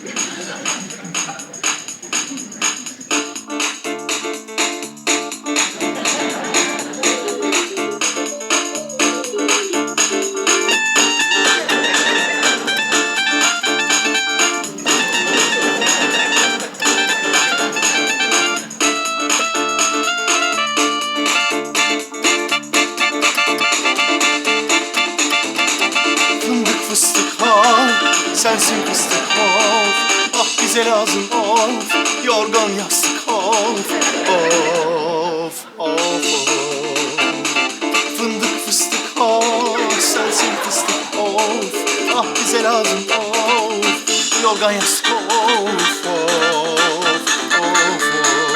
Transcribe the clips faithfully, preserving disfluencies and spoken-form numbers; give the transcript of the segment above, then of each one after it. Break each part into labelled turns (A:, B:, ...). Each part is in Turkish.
A: Sensin fıstık of, ah bize lazım of, yorgan yastık of, of, of, of. Fındık fıstık of, sensin fıstık of, ah bize lazım of, yorgan yastık of, of, of, of.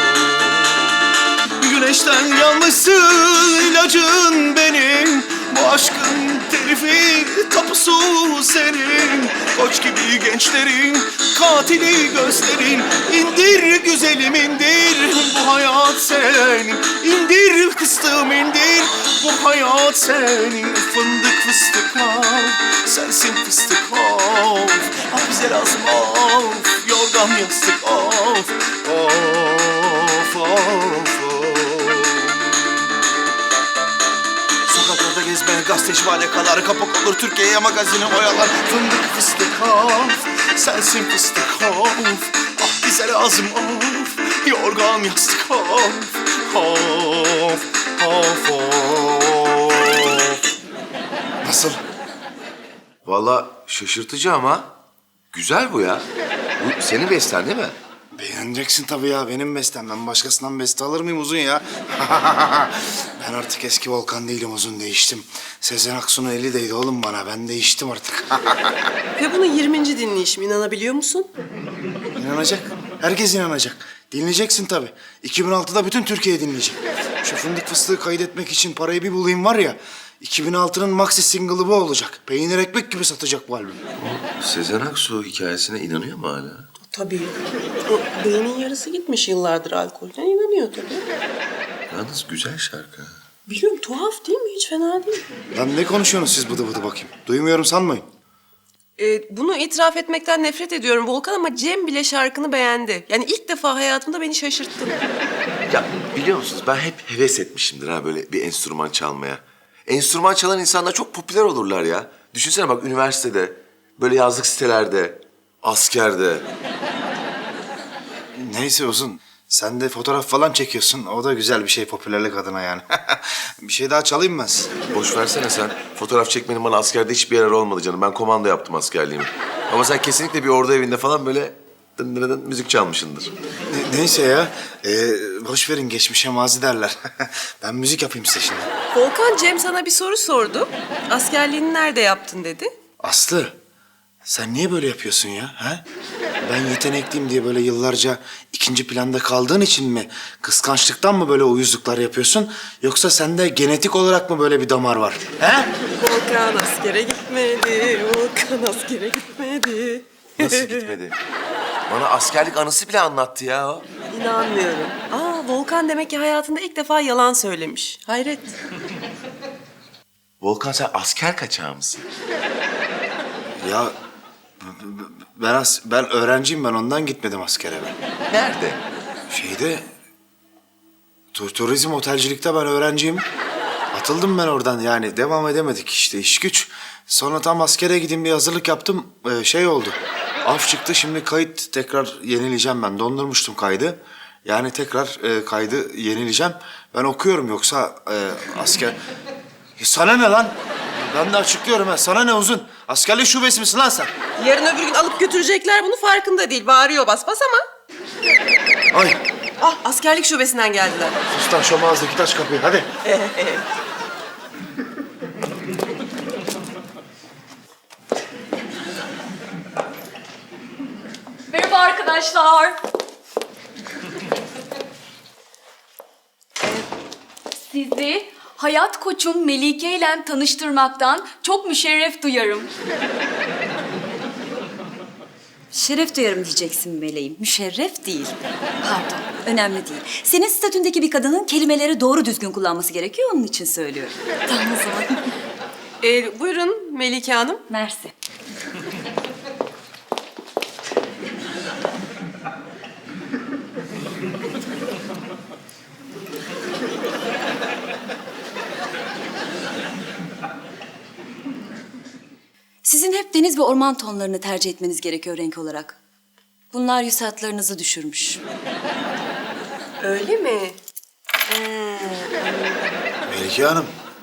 A: Güneşten yanmışsın ilacın benim, bu aşkın telifi tapusu senin. Koç gibi gençlerin katili gözlerin, indir güzelim indir, bu hayat senin. İndir fıstığım indir, bu hayat senin. Fındık fıstık of, sensin fıstık of, ah bize lazım of, yorgan yastık of, of, of, of. Sokaklarda gezmeye gazeteci valikalar, kapak olur Türkiye'ye magazini oyalar. Fındık fıstık of, sensin fıstık of, ah bize lazım of, yorgan yastık of, of, of, of.
B: Nasıl? Vallahi şaşırtıcı ama güzel bu ya. Bu senin besten değil mi?
A: Beğeneceksin tabii ya, benim bestem. Ben başkasından beste alır mıyım Uzun ya? Ben artık eski Volkan değilim Uzun, değiştim. Sezen Aksu'nun eli değdi oğlum bana, ben değiştim artık.
C: Ve bunun yirminci dinleyişim, inanabiliyor musun?
A: İnanacak, herkes inanacak. Dinleyeceksin tabii. iki bin altıda bütün Türkiye dinleyecek. Şu fındık fıstığı kaydetmek için parayı bir bulayım var ya, iki bin altının maxi single'ı bu olacak. Peynir ekmek gibi satacak bu albüm.
B: Sezen Aksu hikayesine inanıyor mu hala?
C: Tabii. O beynin yarısı gitmiş yıllardır alkolden, inanıyor tabii.
B: Yalnız güzel şarkı.
C: Biliyorum, tuhaf değil mi? Hiç fena değil.
A: Lan ne konuşuyorsunuz siz bıdı bıdı bakayım? Duymuyorum sanmayın.
C: Ee, bunu itiraf etmekten nefret ediyorum Volkan, ama Cem bile şarkını beğendi. Yani ilk defa hayatımda beni şaşırttın.
B: Ya biliyor musunuz ben hep heves etmişimdir ha böyle bir enstrüman çalmaya. Enstrüman çalan insanlar çok popüler olurlar ya. Düşünsene bak üniversitede, böyle yazlık sitelerde, askerde.
A: Neyse Uzun, sen de fotoğraf falan çekiyorsun. O da güzel bir şey popülerlik adına yani. Bir şey daha çalayım ben size.
B: Boş versene sen. Fotoğraf çekmenin bana askerde hiçbir yarar olmadı canım. Ben komando yaptım askerliğimi. Ama sen kesinlikle bir ordu evinde falan böyle dın dın dın müzik çalmışsındır.
A: Ne- neyse ya, ee, boş verin, geçmişe mazi derler. Ben müzik yapayım size şimdi.
C: Volkan, Cem sana bir soru sordu. Askerliğini nerede yaptın dedi.
A: Aslı, sen niye böyle yapıyorsun ya? Ha? Ben yetenekliyim diye böyle yıllarca ikinci planda kaldığın için mi? Kıskançlıktan mı böyle uyuzluklar yapıyorsun? Yoksa sende genetik olarak mı böyle bir damar var? Ha?
C: Volkan askere gitmedi, Volkan askere gitmedi.
B: Nasıl gitmedi? Bana askerlik anısı bile anlattı ya o.
C: İnanmıyorum. Aa, Volkan demek ki hayatında ilk defa yalan söylemiş. Hayret.
B: Volkan sen asker kaçağı mısın?
A: Ya b- b- ben as ben öğrenciyim, ben ondan gitmedim askere ben.
B: Nerede?
A: Şeyde tu- turizm otelcilikte ben öğrenciyim. Atıldım ben oradan, yani devam edemedik işte, iş güç. Sonra tam askere gideyim diye hazırlık yaptım. Ee, şey oldu. Af çıktı, şimdi kayıt tekrar yenileyeceğim ben. Dondurmuştum kaydı. Yani tekrar e, kaydı yenileyeceğim. Ben okuyorum, yoksa e, asker... Ya sana ne lan? Ben de açıklıyorum ha. Sana ne Uzun? Askerlik şubesi misin lan sen?
C: Yarın öbür gün alıp götürecekler, bunu farkında değil. Bağırıyor bas bas ama.
A: Ay,
C: Ah, askerlik şubesinden geldiler.
A: sus lan, şu mağazadaki taş kapıyı hadi.
D: Merhaba arkadaşlar. Sizi hayat koçum Melike ile tanıştırmaktan çok müşerref duyarım.
E: Şeref duyarım diyeceksin meleğim. Müşerref değil. Pardon, önemli değil. Senin statündeki bir kadının kelimeleri doğru düzgün kullanması gerekiyor, onun için söylüyorum.
D: Tamam o zaman.
C: Ee, buyurun Melike Hanım.
E: Mersi. deniz ve orman tonlarını tercih etmeniz gerekiyor renk olarak. Bunlar yüz hatlarınızı düşürmüş.
C: Öyle mi?
A: Melike Hanım.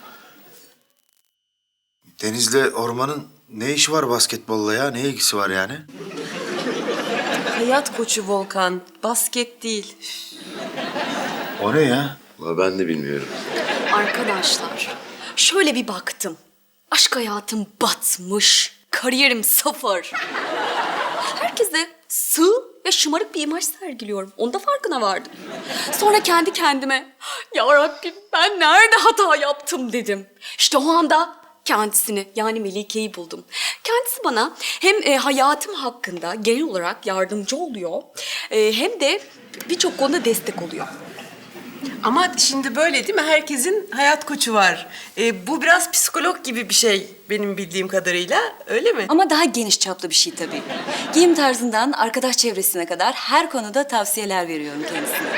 A: Denizle ormanın ne işi var basketbolla ya? Ne ilgisi var yani?
C: Hayat koçu Volkan. Basket değil.
A: O ne ya?
B: Vallahi ben de bilmiyorum.
D: Arkadaşlar, şöyle bir baktım. Aşk hayatım batmış, kariyerim sıfır. Herkese sığ ve şımarık bir imaj sergiliyorum. Onda farkına vardım. Sonra kendi kendime, ya Rabbim ben nerede hata yaptım dedim. İşte o anda kendisini yani Melike'yi buldum. Kendisi bana hem e, hayatım hakkında genel olarak yardımcı oluyor, e, hem de birçok konuda destek oluyor.
C: Ama şimdi böyle değil mi? Herkesin hayat koçu var. Ee, bu biraz psikolog gibi bir şey benim bildiğim kadarıyla. Öyle mi?
E: Ama daha geniş çaplı bir şey tabii. Giyim tarzından arkadaş çevresine kadar her konuda tavsiyeler veriyorum kendisine.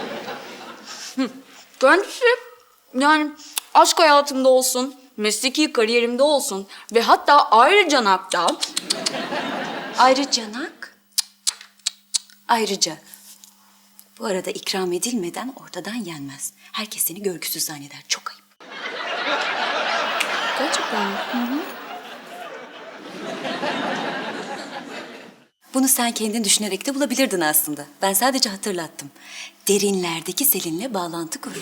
D: Kendisi yani aşk hayatımda olsun, mesleki kariyerimde olsun ve hatta ayrıca nakta
E: Ayrıca nak, ayrıca. Bu arada ikram edilmeden ortadan yenmez. Herkes seni görgüsüz zanneder. Çok ayıp.
D: gerçekten
E: Bunu sen kendin düşünerek de bulabilirdin aslında. Ben sadece hatırlattım. Derinlerdeki Selin'le bağlantı kur.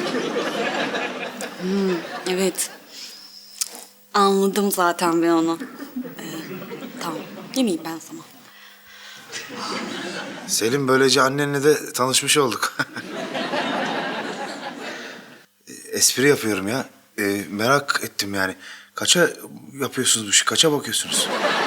D: evet. Anladım zaten ben onu. Ee, tamam. Yemeyeyim ben sana.
A: Selim, böylece annenle de tanışmış olduk. Espri yapıyorum ya. Ee, merak ettim yani. Kaça yapıyorsunuz bu işi? Kaça bakıyorsunuz?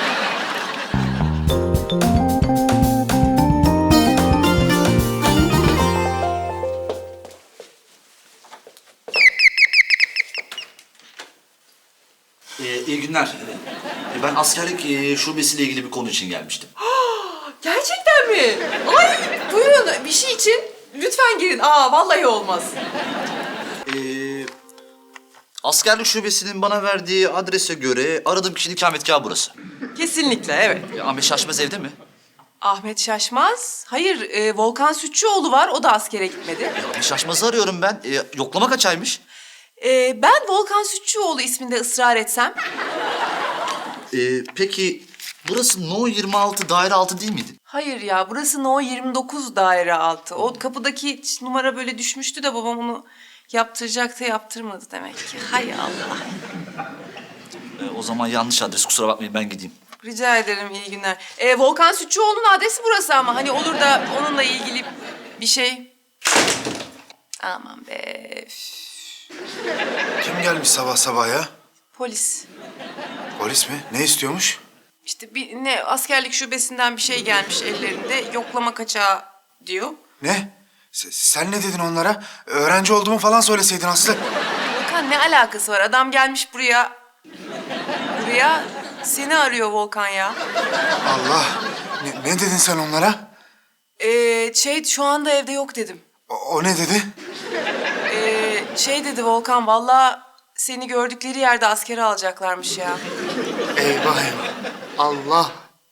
F: Ee, iyi günler. Ee, Ben askerlik e, şubesiyle ilgili bir konu için gelmiştim.
C: Gerçekten mi? Ay buyurun bir şey için lütfen girin. Aa vallahi olmaz.
F: Ee, askerlik şubesinin bana verdiği adrese göre aradığım kişinin ikametgahı burası.
C: Kesinlikle evet.
F: Ee, Ahmet Şaşmaz evde mi?
C: Ahmet Şaşmaz. Hayır e, Volkan Sütçüoğlu var. O da askere gitmedi.
F: Ee, Ahmet Şaşmaz'ı arıyorum ben. Ee, yoklama kaçaymış?
C: E, ben Volkan Sütçüoğlu isminde ısrar etsem.
F: Ee, peki burası No yirmi altı daire altı değil miydi?
C: Hayır ya burası No yirmi dokuz daire altı. O kapıdaki numara böyle düşmüştü de babam onu yaptıracaktı yaptırmadı demek ki. Hay Allah.
F: Ee, o zaman yanlış adres, kusura bakmayın, ben gideyim.
C: Rica ederim iyi günler. E, Volkan Sütçüoğlu'nun adresi burası ama hani olur da onunla ilgili bir şey. Aman be. üf.
A: Kim gelmiş sabah sabah ya?
C: Polis.
A: Polis mi? Ne istiyormuş?
C: İşte bir ne askerlik şubesinden bir şey gelmiş ellerinde. Yoklama kaçağı diyor.
A: Ne? S- sen ne dedin onlara? Öğrenci olduğumu falan söyleseydin Aslı.
C: Volkan ne alakası var? Adam gelmiş buraya. Buraya seni arıyor Volkan ya.
A: Allah. Ne, ne dedin sen onlara?
C: Ee, şey şu anda evde yok dedim.
A: O, o ne dedi?
C: Ee, şey dedi Volkan vallahi seni gördükleri yerde askere alacaklarmış ya.
A: Eyvah eyvah. Allah.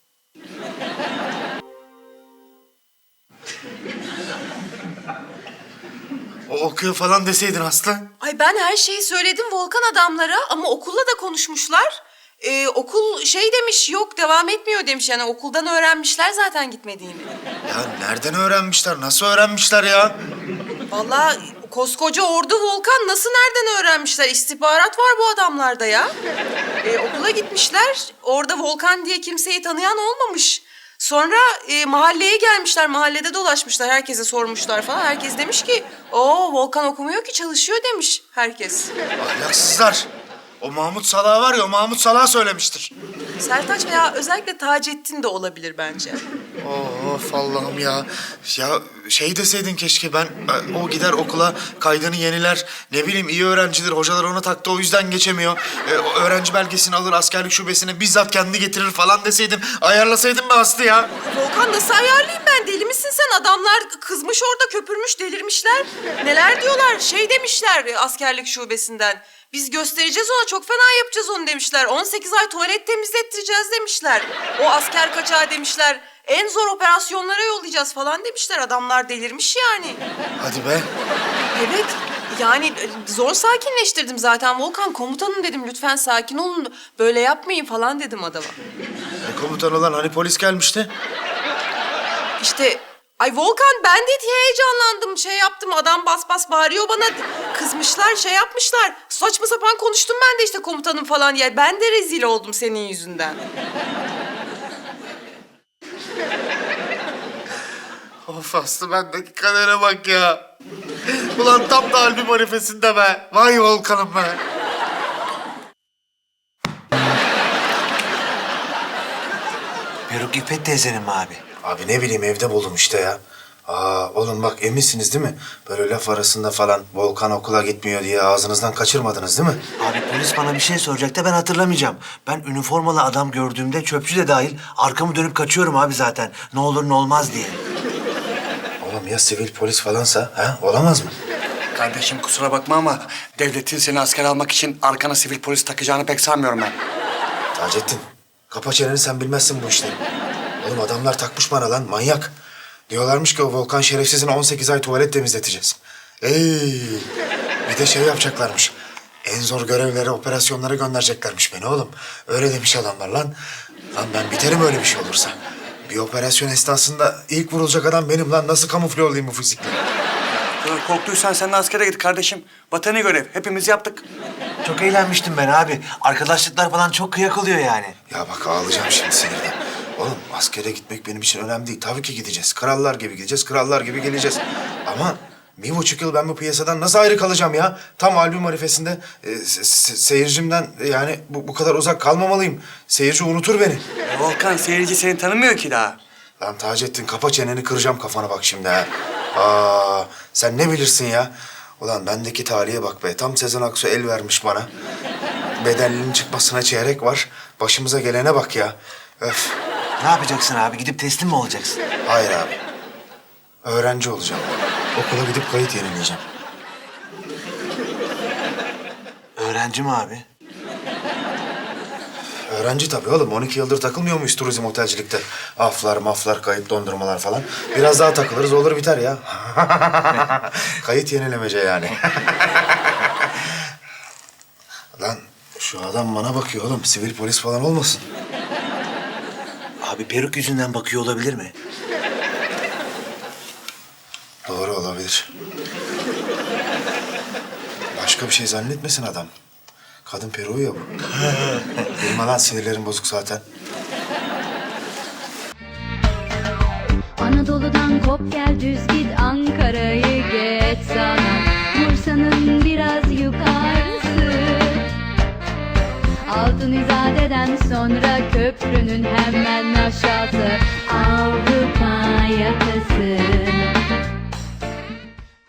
A: O okuyor falan deseydin Aslı.
C: Ay ben her şeyi söyledim Volkan adamlara ama okulla da konuşmuşlar. Ee, okul şey demiş yok devam etmiyor demiş yani okuldan öğrenmişler zaten gitmediğini.
A: Ya nereden öğrenmişler? Nasıl öğrenmişler ya?
C: Vallahi koskoca ordu Volkan nasıl nereden öğrenmişler? İstihbarat var bu adamlarda ya. Ee, okula gitmişler orada Volkan diye kimseyi tanıyan olmamış. Sonra e, mahalleye gelmişler, mahallede dolaşmışlar, herkese sormuşlar falan. Herkes demiş ki, o Volkan okumuyor ki çalışıyor demiş herkes.
A: Ahlaksızlar. O Mahmut Salah var ya, o Mahmut Salah söylemiştir.
C: Sertaç veya özellikle Taceddin de olabilir bence.
A: Of Allah'ım ya. Ya şey deseydin keşke ben, ben- o gider okula kaydını yeniler. Ne bileyim iyi öğrencidir. Hocalar ona taktı o yüzden geçemiyor. Ee, o öğrenci belgesini alır askerlik şubesine bizzat kendi getirir falan deseydin. Ayarlasaydın be Aslı ya.
C: Volkan nasıl ayarlayayım ben? Deli misin sen? Adamlar kızmış orada, köpürmüş, delirmişler. Neler diyorlar? Şey demişler askerlik şubesinden. Biz göstereceğiz ona, çok fena yapacağız onu demişler. on sekiz ay tuvalet temizlettireceğiz demişler. O asker kaçağı demişler. En zor operasyonlara yollayacağız falan demişler. Adamlar delirmiş yani.
A: Hadi be.
C: Evet. Yani e, zor sakinleştirdim zaten. Volkan komutanım dedim, lütfen sakin olun. Böyle yapmayın falan dedim adama.
A: E, komutan olan hani polis gelmişti?
C: İşte ay Volkan, ben de heyecanlandım, şey yaptım, adam bas bas bağırıyor bana, kızmışlar, şey yapmışlar, saçma sapan konuştum ben de işte komutanım falan diye. Ben de rezil oldum senin yüzünden.
A: Of Aslı, bendeki kadere bak ya. Ulan tam da albüm arifesinde be. Vay Volkan'ım be.
G: Peruk İffet teyzenin mi abi?
A: Abi ne bileyim, evde buldum işte ya. Aa oğlum bak, eminsiniz değil mi? Böyle laf arasında falan Volkan okula gitmiyor diye ağzınızdan kaçırmadınız değil mi?
G: Abi polis bana bir şey soracak da ben hatırlamayacağım. Ben üniformalı adam gördüğümde, çöpçü de dahil, arkamı dönüp kaçıyorum abi zaten. Ne olur ne olmaz diye.
A: Oğlum ya sivil polis falansa, ha? Olamaz mı?
H: Kardeşim kusura bakma ama devletin seni asker almak için arkana sivil polis takacağını pek sanmıyorum ben.
A: Taceddin, kapa çeneni, sen bilmezsin bu işleri. Oğlum adamlar takmış bana lan, manyak. Diyorlarmış ki o Volkan şerefsizin on sekiz ay tuvalet temizleteceğiz. Ey, bir de şey yapacaklarmış. En zor görevlere, operasyonlara göndereceklermiş beni oğlum. Öyle demiş adamlar lan. Lan ben biterim öyle bir şey olursa. Bir operasyon esnasında ilk vurulacak adam benim lan. Nasıl kamufle olayım bu fizikle?
H: Dur, korktuysan sen de askere git kardeşim. Vatani görev. Hepimiz yaptık.
G: Çok eğlenmiştim ben abi. Arkadaşlıklar falan çok kıyak oluyor yani.
A: Ya bak ağlayacağım şimdi sinirden. Oğlum askere gitmek benim için önemli değil. Tabii ki gideceğiz. Krallar gibi gideceğiz, krallar gibi geleceğiz. Ama bir buçuk yıl ben bu piyasadan nasıl ayrı kalacağım ya? Tam albüm arifesinde e, se- se- seyircimden e, yani bu, bu kadar uzak kalmamalıyım. Seyirci unutur beni.
H: E, Volkan seyirci seni tanımıyor ki daha.
A: Lan Taceddin, kapa çeneni, kıracağım kafana bak şimdi ha. Aa, sen ne bilirsin ya? Ulan bendeki talihe bak be. Tam Sezen Aksu el vermiş bana. Bedellinin çıkmasına çeyrek var. Başımıza gelene bak ya. Öf.
G: Ne yapacaksın abi? Gidip teslim mi olacaksın?
A: Hayır abi. Öğrenci olacağım. Okula gidip kayıt yenileyeceğim.
G: Öğrenci mi abi?
A: Öğrenci tabii oğlum. on iki yıldır takılmıyor muyuz turizm otelcilikte? Aflar, maflar, kayıt dondurmalar falan. Biraz daha takılırız, olur biter ya. Kayıt yenilemece yani. Lan şu adam bana bakıyor oğlum. Sivil polis falan olmasın.
G: Abi peruk yüzünden bakıyor olabilir mi?
A: Doğru olabilir. Başka bir şey zannetmesin adam. Kadın peruğu ya bu. Bilme lan, sinirlerim bozuk zaten.
I: Anadolu'dan kop gel düz git, Ankara'yı geç sana, Bursa'nın biraz yukarısı. Altın İzade'den sonra köprünün hemen aşağısı, Avrupa yakası.